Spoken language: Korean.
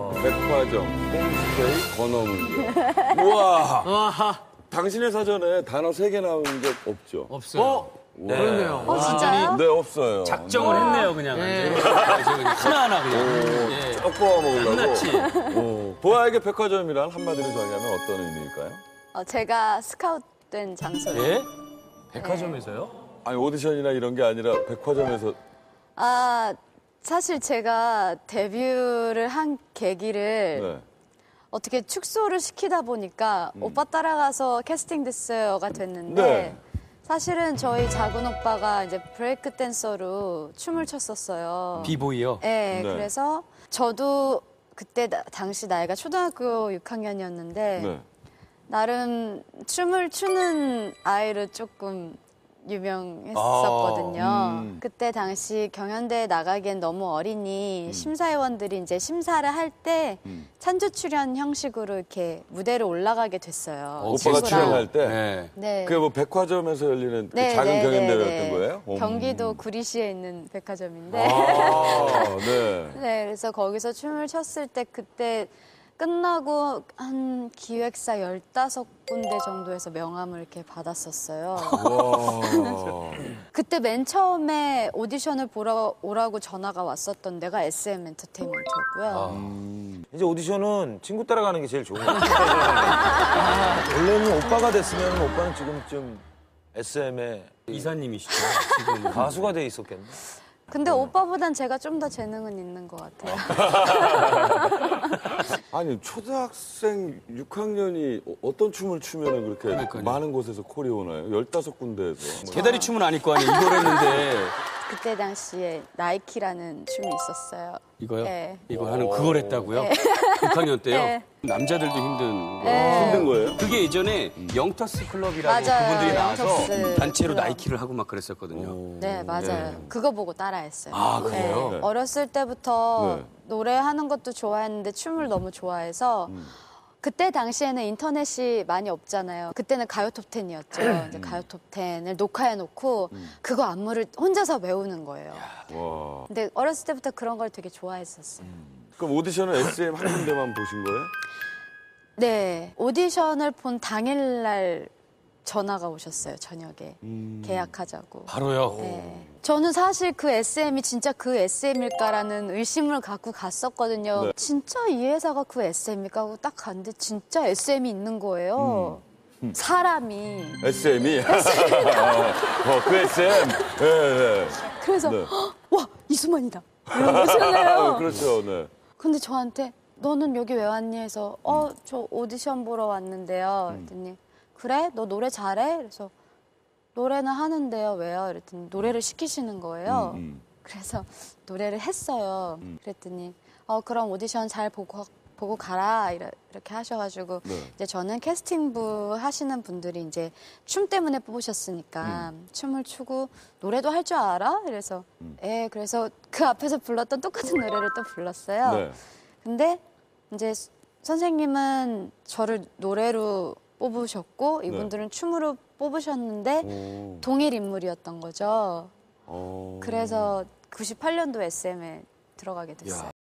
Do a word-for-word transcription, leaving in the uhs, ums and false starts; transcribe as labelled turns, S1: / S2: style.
S1: 백화점, 홈스테이, 건어물. 우와. 당신의 사전에 단어 세 개 나온 적 없죠?
S2: 없어요. 어?
S3: 네. 그렇네요.
S4: 어, 진짜요?
S1: 네, 없어요.
S2: 작정을 했네요, 그냥. 네. 하나하나 그냥.
S1: 오,
S2: 예.
S1: 쫙 뽑아 먹으려고.
S2: 끝났지.
S1: 오. 보아에게 백화점이란 한마디로 정의하면 어떤 의미일까요?
S4: 어, 제가 스카웃된 장소예요.
S2: 예? 백화점에서요?
S1: 아니, 오디션이나 이런 게 아니라 백화점에서.
S4: 아, 사실 제가 데뷔를 한 계기를
S1: 네.
S4: 어떻게 축소를 시키다 보니까
S1: 음.
S4: 오빠 따라가서 캐스팅 됐어요가 됐는데
S1: 네.
S4: 사실은 저희 작은 오빠가 이제 브레이크 댄서로 춤을 췄었어요.
S2: 비보이요?
S4: 네,
S1: 네.
S4: 그래서 저도 그때 나- 당시 나이가 초등학교 육 학년이었는데
S1: 네.
S4: 나름 춤을 추는 아이로 조금 유명했었거든요.
S1: 아, 음.
S4: 그때 당시 경연대에 나가기엔 너무 어리니
S1: 음.
S4: 심사위원들이 이제 심사를 할 때 찬조 출연 형식으로 이렇게 무대로 올라가게 됐어요.
S1: 오빠가
S4: 친구랑.
S1: 출연할 때.
S2: 네.
S4: 네.
S1: 그게 뭐 백화점에서 열리는 그
S4: 네,
S1: 작은
S4: 네,
S1: 경연대회였던
S4: 네, 네.
S1: 거예요?
S4: 경기도 구리시에 있는 백화점인데.
S1: 아, 네.
S4: 네, 그래서 거기서 춤을 췄을 때 그때 끝나고 한 기획사 열다섯 군데 정도에서 명함을 이렇게 받았었어요.
S1: 와.
S4: 그때 맨 처음에 오디션을 보러 오라고 전화가 왔었던 데가 에스엠 엔터테인먼트였고요.
S3: 이제 오디션은 친구 따라가는 게 제일 좋은 것 같아요. 원래는 오빠가 됐으면 오빠는 지금쯤 에스엠의
S2: 이사님이시죠, 지금.
S3: 가수가 돼 있었겠네.
S4: 근데 오빠보단 제가 좀 더 재능은 있는 것 같아요.
S1: 아니, 초등학생 육 학년이 어떤 춤을 추면 그렇게
S2: 그러니까요.
S1: 많은 곳에서 콜이 오나요? 열다섯 군데에서. 뭐.
S2: 개다리 춤은 아닐 거 아니에요. 이걸 했는데.
S4: 그때 당시에 나이키라는 춤이 있었어요.
S2: 이거요?
S4: 네.
S2: 이거 하는 그걸 했다고요? 육 학년 때요?
S4: 네.
S2: 남자들도 힘든 거.
S1: 힘든 거예요?
S2: 그게 예전에 영터스 클럽이라고
S4: 맞아요,
S2: 그분들이 나와서
S4: 영터스
S2: 단체로
S4: 클럽.
S2: 나이키를 하고 막 그랬었거든요.
S4: 네, 맞아요. 그거 보고 따라했어요.
S2: 아, 그래요?
S1: 네.
S4: 어렸을 때부터
S1: 네.
S4: 노래하는 것도 좋아했는데 춤을 너무 좋아해서 그때 당시에는 인터넷이 많이 없잖아요. 그때는 가요 톱텐이었죠. 이제 가요 톱텐을 녹화해놓고 그거 안무를 혼자서 외우는 거예요.
S1: 와.
S4: 근데 어렸을 때부터 그런 걸 되게 좋아했었어요.
S1: 그럼 오디션은 에스엠 한 군데만 보신 거예요?
S4: 네, 오디션을 본 당일날 전화가 오셨어요, 저녁에.
S1: 음.
S4: 계약하자고.
S2: 바로요?
S4: 네. 저는 사실 그 에스엠이 진짜 그 에스엠일까라는 의심을 갖고 갔었거든요.
S1: 네.
S4: 진짜 이 회사가 그 에스엠일까 하고 딱 갔는데 진짜 에스엠이 있는 거예요. 사람이.
S1: 에스엠이? 어, 그 에스엠? 네, 네.
S4: 그래서
S1: 네.
S4: 헉, 와, 이수만이다. 이런 거잖아요.
S1: 그렇죠, 네.
S4: 근데 저한테 너는 여기 왜 왔니 해서 어, 저 오디션 보러 왔는데요. 그랬더니 그래? 너 노래 잘해? 그래서 노래는 하는데요. 왜요? 그랬더니 노래를 시키시는 거예요.
S1: 음, 음.
S4: 그래서 노래를 했어요. 그랬더니 어 그럼 오디션 잘 보고 보고 가라 이러- 이렇게 하셔가지고
S1: 네.
S4: 이제 저는 캐스팅부 하시는 분들이 이제 춤 때문에 뽑으셨으니까 춤을 추고 노래도 할 줄 알아? 그래서 예 그래서 그 앞에서 불렀던 똑같은 노래를 또 불렀어요.
S1: 네.
S4: 근데 이제 스- 선생님은 저를 노래로 뽑으셨고 이분들은 춤으로 뽑으셨는데
S1: 오.
S4: 동일 인물이었던 거죠.
S1: 어.
S4: 그래서 구십팔 년도 에스엠에 들어가게 됐어요.